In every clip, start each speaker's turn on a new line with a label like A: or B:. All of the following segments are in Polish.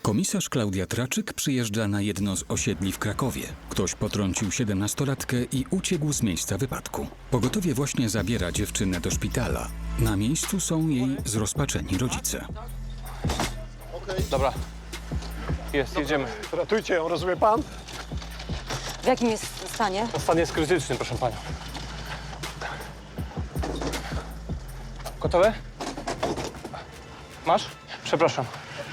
A: Komisarz Klaudia Traczyk przyjeżdża na jedno z osiedli w Krakowie. Ktoś potrącił 17-latkę i uciekł z miejsca wypadku. Pogotowie właśnie zabiera dziewczynę do szpitala. Na miejscu są jej zrozpaczeni rodzice.
B: Dobra. Jedziemy.
C: Ratujcie ją, rozumie pan?
D: W jakim jest stanie?
B: Stan jest krytyczny, proszę panią. Gotowe? Masz? Przepraszam.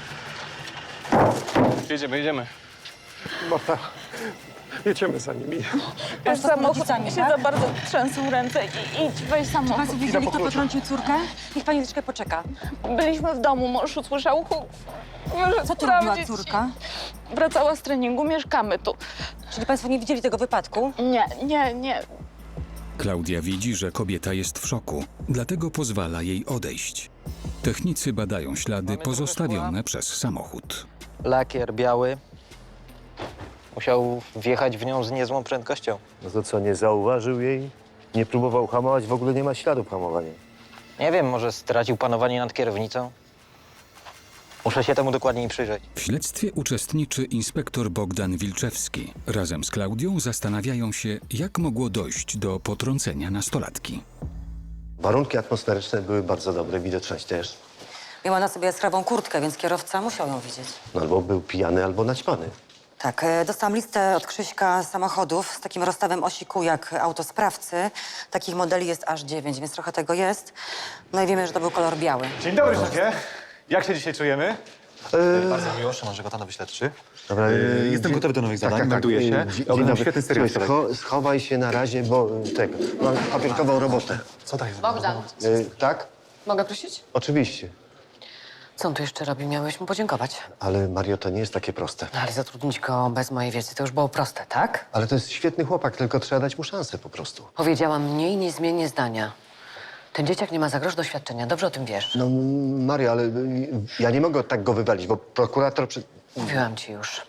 B: Jedziemy.
C: Marta, jedziemy za nimi.
D: Pan z rodzicami,
E: się
D: tak?
E: za bardzo trzęsą ręce i idź, weź samochód.
D: Państwo widzieli, kto potrącił córkę? Niech pani troszeczkę poczeka.
E: Byliśmy w domu, mąż usłyszał huk. Może
D: Co tu robiła
E: sprawdzić.
D: córka?
E: Wracała z treningu, mieszkamy tu.
D: Czyli państwo nie widzieli tego wypadku?
E: Nie.
A: Klaudia widzi, że kobieta jest w szoku, dlatego pozwala jej odejść. Technicy badają ślady pozostawione przez samochód.
F: Lakier biały. Musiał wjechać w nią z niezłą prędkością.
G: No to co, nie zauważył jej? Nie próbował hamować? W ogóle nie ma śladów hamowania.
F: Nie wiem, może stracił panowanie nad kierownicą? Muszę się temu dokładniej przyjrzeć.
A: W śledztwie uczestniczy inspektor Bogdan Wilczewski. Razem z Klaudią zastanawiają się, jak mogło dojść do potrącenia nastolatki.
G: Warunki atmosferyczne były bardzo dobre, widoczność też.
D: Miała na sobie jaskrawą kurtkę, więc kierowca musiał ją widzieć.
G: No albo był pijany, albo naćpany.
D: Tak, dostałam listę od Krzyśka samochodów z takim rozstawem osi kół jak autosprawcy. Takich modeli jest aż 9, więc trochę tego jest. No i wiemy, że to był kolor biały.
H: Dzień dobry, szefie. Jak się dzisiaj czujemy?
I: Bardzo miło, Szymon Żegota, nowy śledczy.
G: Dobra,
I: Jestem gotowy do nowych zadań,
G: tak.
I: melduję się.
G: Dzień
I: Oglądam
G: dobry.
I: świetny serial.
G: Słuchaj, schowaj się na razie, bo tego, mam papierkową robotę.
I: Co tak jest?
J: Bogdan,
G: Tak?
J: mogę prosić?
G: Oczywiście.
J: Co on tu jeszcze robi? Miałeś mu podziękować.
G: Ale Mario, to nie jest takie proste.
J: No ale zatrudnić go bez mojej wiedzy to już było proste, tak?
G: Ale to jest świetny chłopak, tylko trzeba dać mu szansę po prostu.
J: Powiedziałam mniej, nie zmienię zdania. Ten dzieciak nie ma za grosz doświadczenia, dobrze o tym wiesz.
G: No, Mario, ale ja nie mogę tak go wywalić, bo prokurator...
J: Mówiłam ci już.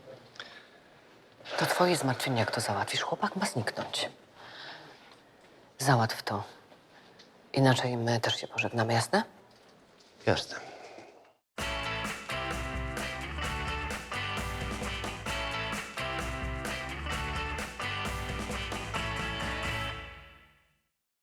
J: To twoje zmartwienie, jak to załatwisz. Chłopak ma zniknąć. Załatw to. Inaczej my też się pożegnamy, jasne?
G: Jasne.